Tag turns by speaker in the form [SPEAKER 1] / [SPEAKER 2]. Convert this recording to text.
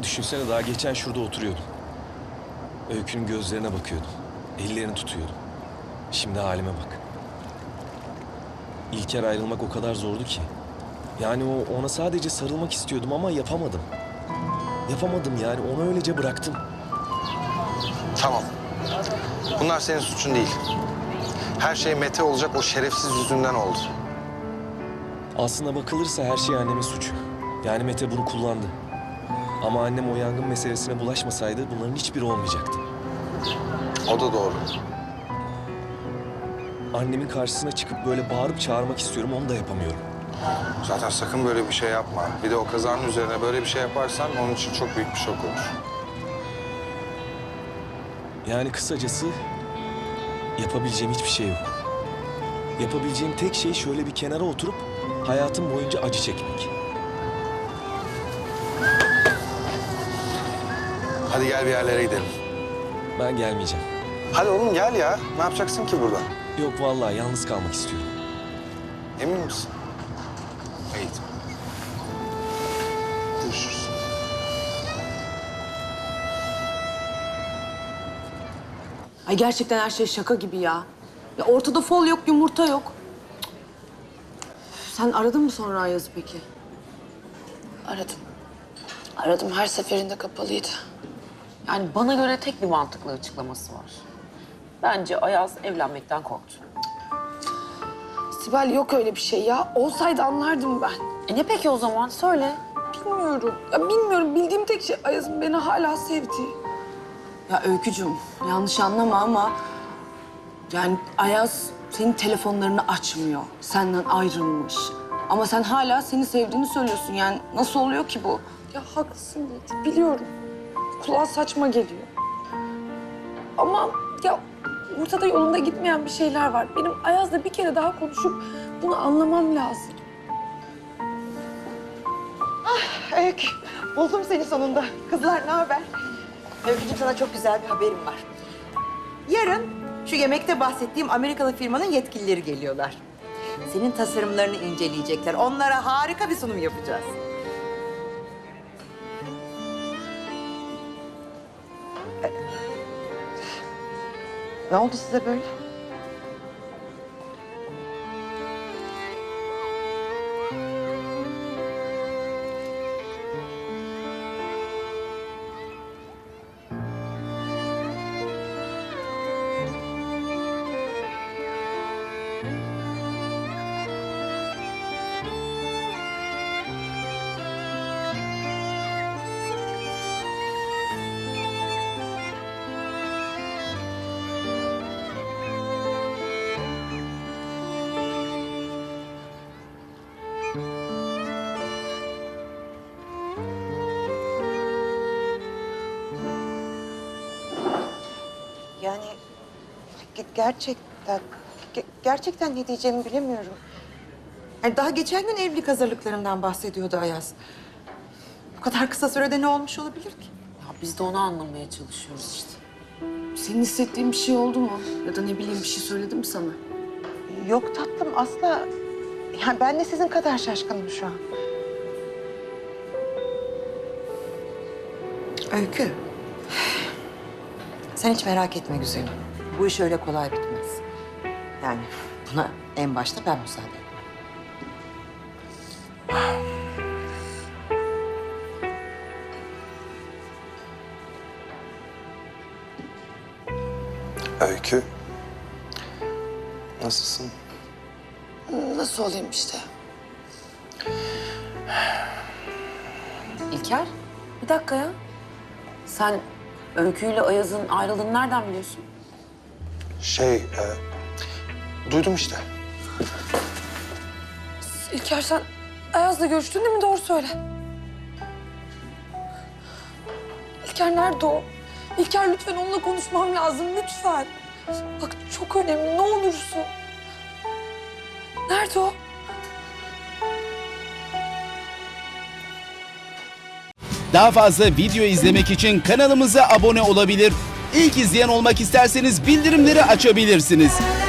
[SPEAKER 1] Düşünsene daha geçen şurada oturuyordum. Öykü'nün gözlerine bakıyordum. Ellerini tutuyordum. Şimdi halime bak. İlker ayrılmak o kadar zordu ki. Yani ona sadece sarılmak istiyordum ama yapamadım. Yapamadım yani onu öylece bıraktım.
[SPEAKER 2] Tamam. Bunlar senin suçun değil. Her şey Mete olacak o şerefsiz yüzünden oldu.
[SPEAKER 1] Aslına bakılırsa her şey annemin suçu. Yani Mete bunu kullandı. Ama annem o yangın meselesine bulaşmasaydı bunların hiçbiri olmayacaktı.
[SPEAKER 2] O da doğru.
[SPEAKER 1] Annemin karşısına çıkıp böyle bağırıp çağırmak istiyorum, onu da yapamıyorum.
[SPEAKER 2] Zaten sakın böyle bir şey yapma. Bir de o kazanın üzerine böyle bir şey yaparsan onun için çok büyük bir şok olur.
[SPEAKER 1] Yani kısacası yapabileceğim hiçbir şey yok. Yapabileceğim tek şey şöyle bir kenara oturup hayatım boyunca acı çekmek.
[SPEAKER 2] Hadi gel bir yerlere gidelim.
[SPEAKER 1] Ben gelmeyeceğim.
[SPEAKER 2] Hadi oğlum gel ya. Ne yapacaksın ki burada?
[SPEAKER 1] Yok vallahi yalnız kalmak istiyorum.
[SPEAKER 2] Emin misin? İyi. Görüşürüz.
[SPEAKER 3] Ay gerçekten her şey şaka gibi ya. Ya ortada fol yok, yumurta yok. Sen aradın mı sonra Ayaz'ı peki?
[SPEAKER 4] Aradım. Aradım, her seferinde kapalıydı. Yani bana göre tek bir mantıklı açıklaması var. Bence Ayaz evlenmekten korktu.
[SPEAKER 5] Sibel yok öyle bir şey ya. Olsaydı anlardım ben.
[SPEAKER 4] Ne peki o zaman? Söyle.
[SPEAKER 5] Bilmiyorum. Ya bilmiyorum. Bildiğim tek şey Ayaz'ın beni hala sevdiği.
[SPEAKER 3] Ya Öykücüğüm, yanlış anlama ama... Yani Ayaz senin telefonlarını açmıyor. Senden ayrılmış. Ama sen hala seni sevdiğini söylüyorsun. Yani nasıl oluyor ki bu?
[SPEAKER 5] Ya haklısın Yiğit. Biliyorum. Kulağa saçma geliyor. Ama ya ortada yolunda gitmeyen bir şeyler var. Benim Ayaz'la bir kere daha konuşup bunu anlamam lazım.
[SPEAKER 6] Öykü, buldum seni sonunda. Kızlar ne haber? Öykücüğüm sana çok güzel bir haberim var. Yarın şu yemekte bahsettiğim Amerikalı firmanın yetkilileri geliyorlar. Senin tasarımlarını inceleyecekler. Onlara harika bir sunum yapacağız. Ne oldu size böyle? Yani gerçekten ne diyeceğimi bilemiyorum. Yani daha geçen gün evlilik hazırlıklarından bahsediyordu Ayaz. Bu kadar kısa sürede ne olmuş olabilir ki?
[SPEAKER 4] Ya biz de onu anlamaya çalışıyoruz işte.
[SPEAKER 3] Senin hissettiğin bir şey oldu mu? Ya da ne bileyim bir şey söyledi mi sana?
[SPEAKER 6] Yok tatlım asla. Yani ben de sizin kadar şaşkınım şu an. Öykü. Sen hiç merak etme güzelim. Bu iş öyle kolay bitmez. Yani buna en başta ben müsaade etmem.
[SPEAKER 2] Öykü. Nasılsın?
[SPEAKER 4] Nasıl olayım işte? İlker, bir dakika ya. Sen Öykü'yle Ayaz'ın ayrıldığını nereden biliyorsun?
[SPEAKER 2] Duydum işte.
[SPEAKER 5] İlker sen Ayaz'la görüştün değil mi? Doğru söyle. İlker nerede o? İlker lütfen onunla konuşmam lazım lütfen. Bak çok önemli ne olursun. Nerede o?
[SPEAKER 7] Daha fazla video izlemek için kanalımıza abone olabilir. İlk izleyen olmak isterseniz bildirimleri açabilirsiniz.